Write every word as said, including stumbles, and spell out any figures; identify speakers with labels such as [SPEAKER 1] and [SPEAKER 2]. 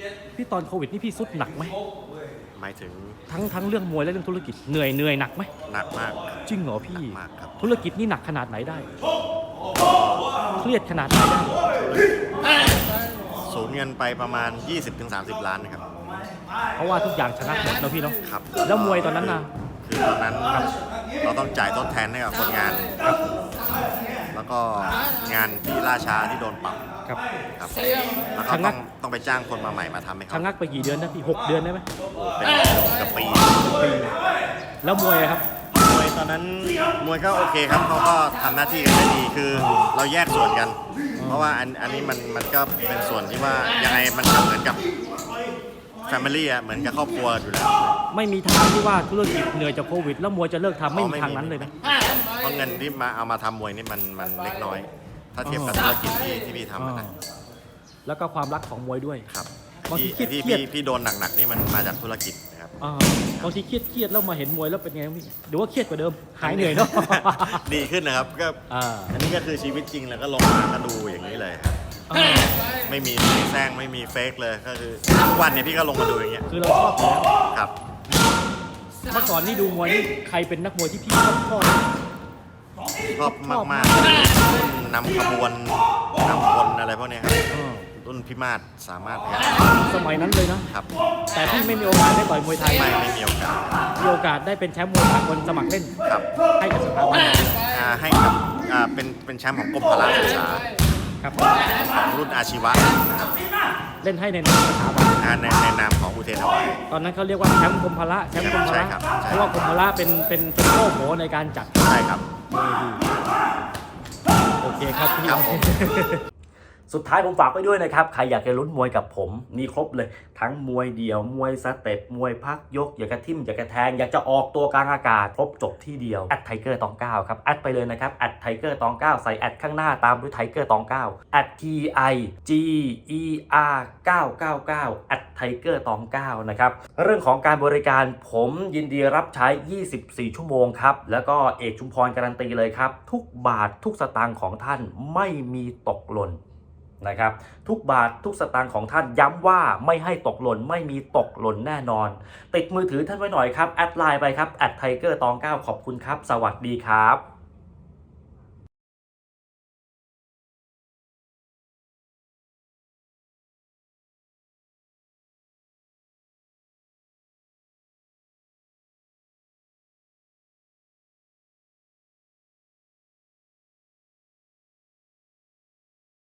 [SPEAKER 1] พี่ตอนโควิดนี่พี่สุดหนักไหม
[SPEAKER 2] หมายถึง
[SPEAKER 1] ทั้งทั้งเรื่องมวยและเรื่องธุรกิจเหนื่อยเหนื่อยหนักไหม
[SPEAKER 2] หนักมาก
[SPEAKER 1] จริงเหรอพี่
[SPEAKER 2] มากครับ
[SPEAKER 1] ธุรกิจนี่หนักขนาดไหนได้เครียดขนาดไหนได้
[SPEAKER 2] สูญเงินไปประมาณ ยี่สิบถึงสามสิบ ล้านนะครับ
[SPEAKER 1] เพราะว่าทุกอย่างชนะหมดนะพี่เนาะ
[SPEAKER 2] ครับ
[SPEAKER 1] แล้วมวยตอนนั้นนะ
[SPEAKER 2] คือตอนนั้นเราต้องจ่ายทดแทนให้กับคนงานครับแล้วก็งานที่ล่าช้าที่โดนปรับ
[SPEAKER 1] ครับ
[SPEAKER 2] ครับแล้วก็ต้องต้องไปจ้างคนมาใหม่มาทำให้เขา
[SPEAKER 1] ชะงักไปกี่เดือนนะพี่หกเดือนได้ไหม
[SPEAKER 2] เป็นกับปี
[SPEAKER 1] ปีแล้วมวยครับ
[SPEAKER 2] มวยตอนนั้นมวยก็โอเคครับเขาก็ทำหน้าที่กันได้ดีคือเราแยกส่วนกันเพราะว่าอันอันนี้มันมันก็เป็นส่วนที่ว่ายังไงมันเหมือนกับแฟมิลี่อะเหมือนกับครอบครัวอยู่แล้ว
[SPEAKER 1] ไม่มีทางที่ว่าธุรกิจเหนื่อยจากโควิดแล้วมวยจะเลิกทำไม่มีทางนั้นเลยนะ
[SPEAKER 2] เพราะเงินที่มาเอามาทำมวยนี่มันมันเล็กน้อยถ้าเทียบกับธุรกิจที่ที่พี่ทำนะ
[SPEAKER 1] แล้วก็ความรักของมวยด้วย
[SPEAKER 2] ครับ
[SPEAKER 1] บางที
[SPEAKER 2] ที่พี่พี่โดนหนักๆนี่มันมาจากธุรกิจนะครับ
[SPEAKER 1] บางทีเครียดเครียดแล้วมาเห็นมวยแล้วเป็นไงพี่หรือว่าเครียดกว่าเดิมหายเหนื่อยเนาะ
[SPEAKER 2] ดีขึ้นนะครับก็อันนี้ก็คือชีวิตจริงแล้วก็ลงมาก็ดูอย่างนี้เลยครับไม่มีแซงไม่มีเฟกเลยก็คือทุกวันเนี่ยพี่ก็ลงมาดูอย่างเงี้ย
[SPEAKER 1] คือเราชอบอยู่แล้ว
[SPEAKER 2] ครับ
[SPEAKER 1] เมื่อก่อนนี่ดูมวยนี่ใครเป็นนักมวยที่พี่ชอบชอบ
[SPEAKER 2] ชอบมากๆนำขบวนนำคนอะไรพวกนี้ครับรุ่นพี่มาศสามารถ
[SPEAKER 1] สมัยนั้นเลยนะครับแต่พี่ไม่มีโอกาสได้ต่อยมวยไทย
[SPEAKER 2] ไม่ไม่มีโอกาส
[SPEAKER 1] มีโอกาสได้เป็นแชมป์มวยสากลสมัครเล่น
[SPEAKER 2] ครับ
[SPEAKER 1] ให้กับสถาบัน
[SPEAKER 2] ให้กับเป็นเป็นแชมป์ของกรมพละศึกษา
[SPEAKER 1] ครับ
[SPEAKER 2] ของรุ่นอาชีวะนะครับ
[SPEAKER 1] เล่นให้ในนามสถาบัน
[SPEAKER 2] ในในนามของอุเทนถวาย
[SPEAKER 1] ตอนนั้นเขาเรียกว่าแชมป์กรมพละแชมป์กรมพละเพราะว่ากรมพละเป็นเป็นเป็นโล่โผในการจัด
[SPEAKER 2] ใช่ครับ
[SPEAKER 1] โอเคครับพี่สุดท้ายผมฝากไว้ด้วยนะครับใครอยากจะลุ้นมวยกับผมมีครบเลยทั้งมวยเดี่ยวมวยสเต็ปมวยพักยกอยากจะทิ่มอยากจะแทงอยากจะออกตัวกลางอากาศครบจบที่เดียวแอดไทเกอร์ตองเก้าครับแอดไปเลยนะครับแอดไทเกอร์ตองเก้าใส่แอดข้างหน้าตามด้วยไทเกอร์ตองเก้าแอด T I G E R เก้าเก้าเก้าแอดไทเกอร์ตองเก้านะครับเรื่องของการบริการผมยินดีรับใช้ยี่สิบสี่ชั่วโมงครับแล้วก็เอกชุมพรการันตีเลยครับทุกบาททุกสตางค์ของท่านไม่มีตกหล่นนะครับทุกบาททุกสตางค์ของท่านย้ำว่าไม่ให้ตกหล่นไม่มีตกหล่นแน่นอนติดมือถือท่านไว้หน่อยครับแอดไลน์ไปครับแอดไทเกอร์ตองเก้าขอบคุณครับสวัสดีครับ